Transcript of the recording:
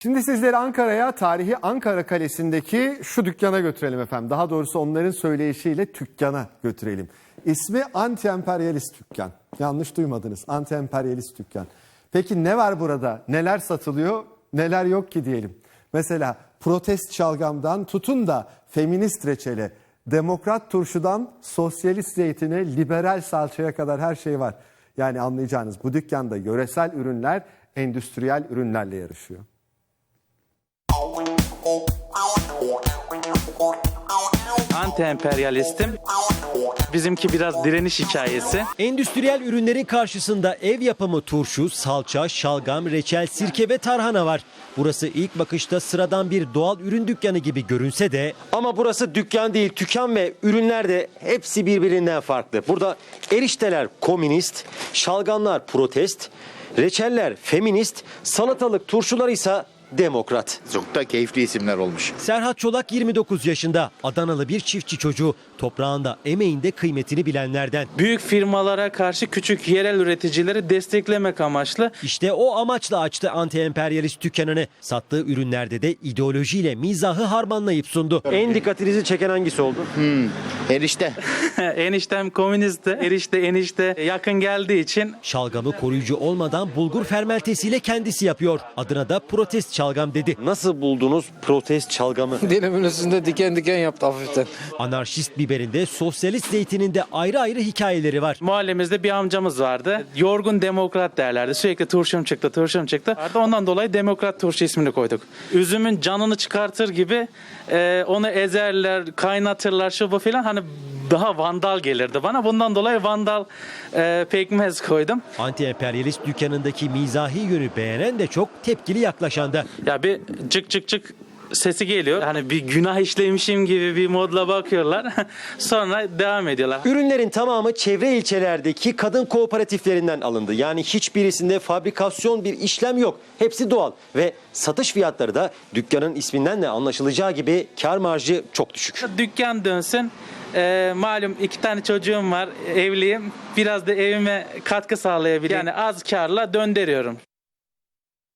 Şimdi sizleri Ankara'ya, tarihi Ankara Kalesi'ndeki şu dükkana götürelim efendim. Daha doğrusu onların söyleyişiyle dükkana götürelim. İsmi Anti-Emperyalist Dükkan. Yanlış duymadınız. Anti-Emperyalist Dükkan. Peki ne var burada? Neler satılıyor? Neler yok ki diyelim. Mesela protest şalgamdan tutun da feminist reçele, demokrat turşudan sosyalist zeytine, liberal salçaya kadar her şey var. Yani anlayacağınız bu dükkanda yöresel ürünler endüstriyel ürünlerle yarışıyor. Anti-emperyalistim. Bizimki biraz direniş hikayesi. Endüstriyel ürünlerin karşısında ev yapımı turşu, salça, şalgam, reçel, sirke ve tarhana var. Burası ilk bakışta sıradan bir doğal ürün dükkanı gibi görünse de... Ama burası dükkan değil, tüken ve ürünler de hepsi birbirinden farklı. Burada erişteler komünist, şalgamlar protest, reçeller feminist, salatalık turşular ise demokrat. Çok da keyifli isimler olmuş. Serhat Çolak 29 yaşında. Adanalı bir çiftçi çocuğu. Toprağında, emeğinde kıymetini bilenlerden. Büyük firmalara karşı küçük yerel üreticileri desteklemek amaçlı. İşte o amaçla açtı anti-emperyalist dükkanını. Sattığı ürünlerde de ideolojiyle mizahı harmanlayıp sundu. En dikkatinizi çeken hangisi oldu? Erişte. Eniştem komünistti. Enişte yakın geldiği için. Şalgamı koruyucu olmadan bulgur fermentesiyle kendisi yapıyor. Adına da protest şalgam dedi. Nasıl buldunuz protest şalgamı? Dilimin üstünde diken diken yaptı hafiften. Anarşist biberinde, sosyalist zeytininde ayrı ayrı hikayeleri var. Mahallemizde bir amcamız vardı. Yorgun demokrat derlerdi. Sürekli turşum çıktı. Ondan dolayı demokrat turşu ismini koyduk. Üzümün canını çıkartır gibi onu ezerler, kaynatırlar şu bu filan. Hani daha vandal gelirdi bana. Bundan dolayı vandal pekmez koydum. Anti-emperyalist dükkanındaki mizahi yönü beğenen de çok, tepkili yaklaşan da. Ya bir cık cık cık sesi geliyor. Hani bir günah işlemişim gibi bir modla bakıyorlar. Sonra devam ediyorlar. Ürünlerin tamamı çevre ilçelerdeki kadın kooperatiflerinden alındı. Yani hiçbirisinde fabrikasyon bir işlem yok. Hepsi doğal ve satış fiyatları da dükkanın isminden de anlaşılacağı gibi kar marjı çok düşük. Dükkan dönsün. Malum 2 tane çocuğum var. Evliyim. Biraz da evime katkı sağlayabilirim. Yani az karla döndürüyorum.